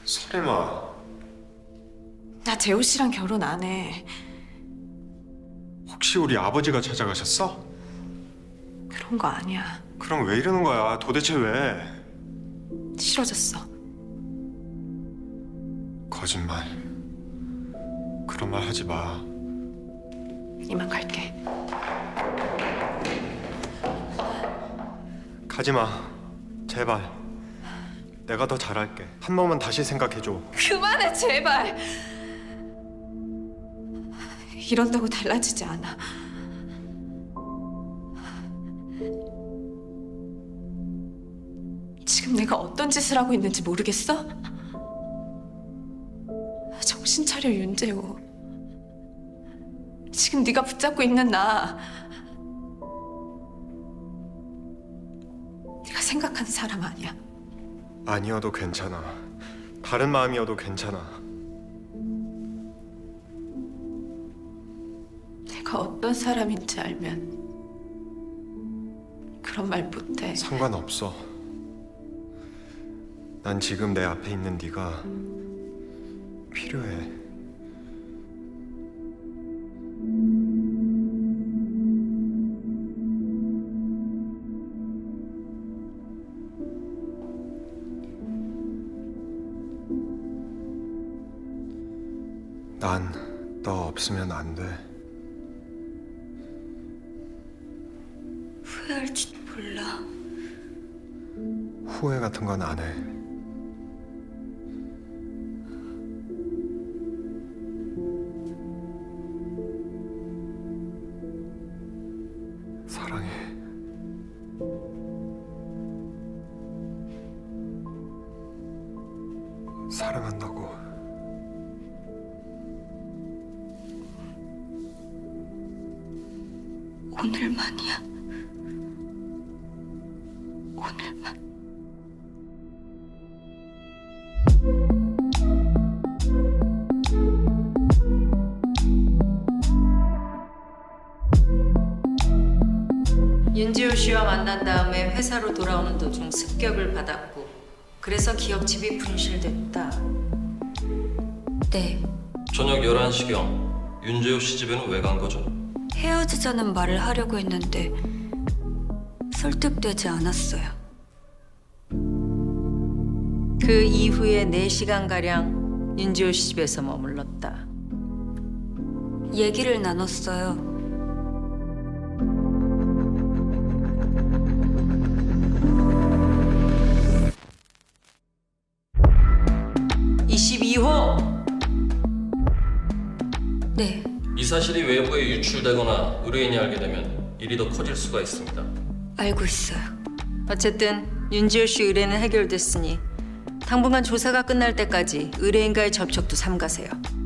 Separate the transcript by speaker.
Speaker 1: 설마
Speaker 2: 나 재호 씨랑 결혼 안 해.
Speaker 1: 혹시 우리 아버지가 찾아가셨어?
Speaker 2: 그런 거 아니야.
Speaker 1: 그럼 왜 이러는 거야? 도대체 왜?
Speaker 2: 싫어졌어.
Speaker 1: 거짓말. 그런 말 하지 마.
Speaker 2: 이만 갈게.
Speaker 1: 가지 마. 제발. 내가 더 잘할게. 한 번만 다시 생각해줘.
Speaker 2: 그만해 제발. 이런다고 달라지지 않아. 지금 내가 어떤 짓을 하고 있는지 모르겠어? 정신 차려 윤재호. 지금 네가 붙잡고 있는 나, 네가 생각하는 사람 아니야.
Speaker 1: 아니어도 괜찮아. 다른 마음이어도 괜찮아.
Speaker 2: 내가 어떤 사람인지 알면 그런 말 못해.
Speaker 1: 상관없어. 난 지금 내 앞에 있는 네가 필요해. 난 너 없으면 안 돼.
Speaker 2: 후회할지도 몰라.
Speaker 1: 후회 같은 건 안 해. 사랑해. 사랑한다고.
Speaker 2: 오늘만이야. 오늘만.
Speaker 3: 윤지호 씨와 만난 다음에 회사로 돌아오는 도중 습격을 받았고 그래서 기업집이 분실됐다.
Speaker 4: 네,
Speaker 5: 저녁 11시경 윤재호 씨 집에는 왜 간 거죠?
Speaker 4: 헤어지자는 말을 하려고 했는데 설득되지 않았어요.
Speaker 3: 그 이후에 4시간가량 윤지호 씨 집에서 머물렀다.
Speaker 4: 얘기를 나눴어요. 네,
Speaker 5: 이 사실이 외부에 유출되거나 의뢰인이 알게 되면 일이 더 커질 수가 있습니다.
Speaker 4: 알고 있어요.
Speaker 3: 어쨌든 윤지호 씨 의뢰는 해결됐으니 당분간 조사가 끝날 때까지 의뢰인과의 접촉도 삼가세요.